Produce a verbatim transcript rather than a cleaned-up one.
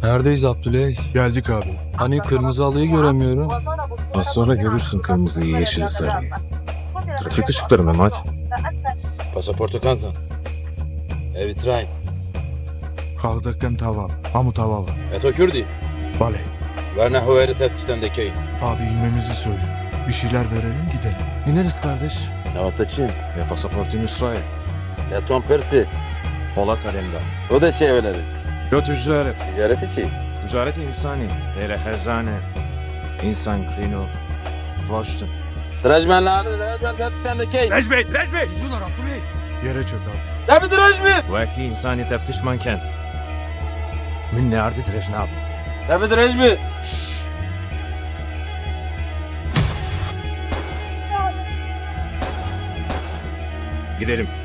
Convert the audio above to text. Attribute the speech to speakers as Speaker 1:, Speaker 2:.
Speaker 1: Neredeyiz Abdüley?
Speaker 2: Geldik abi.
Speaker 1: Hani kırmızı halıyı göremiyorum.
Speaker 3: Az sonra görürsün kırmızıyı, yeşili, sarıyı. Trafik ışıkları Mehmet.
Speaker 4: Pasaportu kanton. Evitrayn.
Speaker 2: Kaldıkken tavam. Hamu tavava.
Speaker 4: Eto Kürdi.
Speaker 2: Bale.
Speaker 4: Ve nehuveri teftişten dekeyin.
Speaker 2: Abi inmemizi söyle. Bir şeyler verelim gidelim.
Speaker 3: İneriz kardeş.
Speaker 4: Navattaçı.
Speaker 3: Ya pasaportun İsrail.
Speaker 4: Eton Persi.
Speaker 3: Polat alemda.
Speaker 4: O da şey evleri.
Speaker 3: Yo ticaret.
Speaker 4: Ticaret içi.
Speaker 3: Ticaret insani. Nere hezane. İnsan krino. Voştun.
Speaker 4: Drajmen ladı. Drajmen teftişten dekeyin.
Speaker 3: Necmi! Necmi!
Speaker 2: Yere çök abi.
Speaker 4: Tabi drajmi.
Speaker 3: Vaki insani teftiş manken. Min ne ardı direjnab.
Speaker 4: Tabi drajmi.
Speaker 3: Gidelim.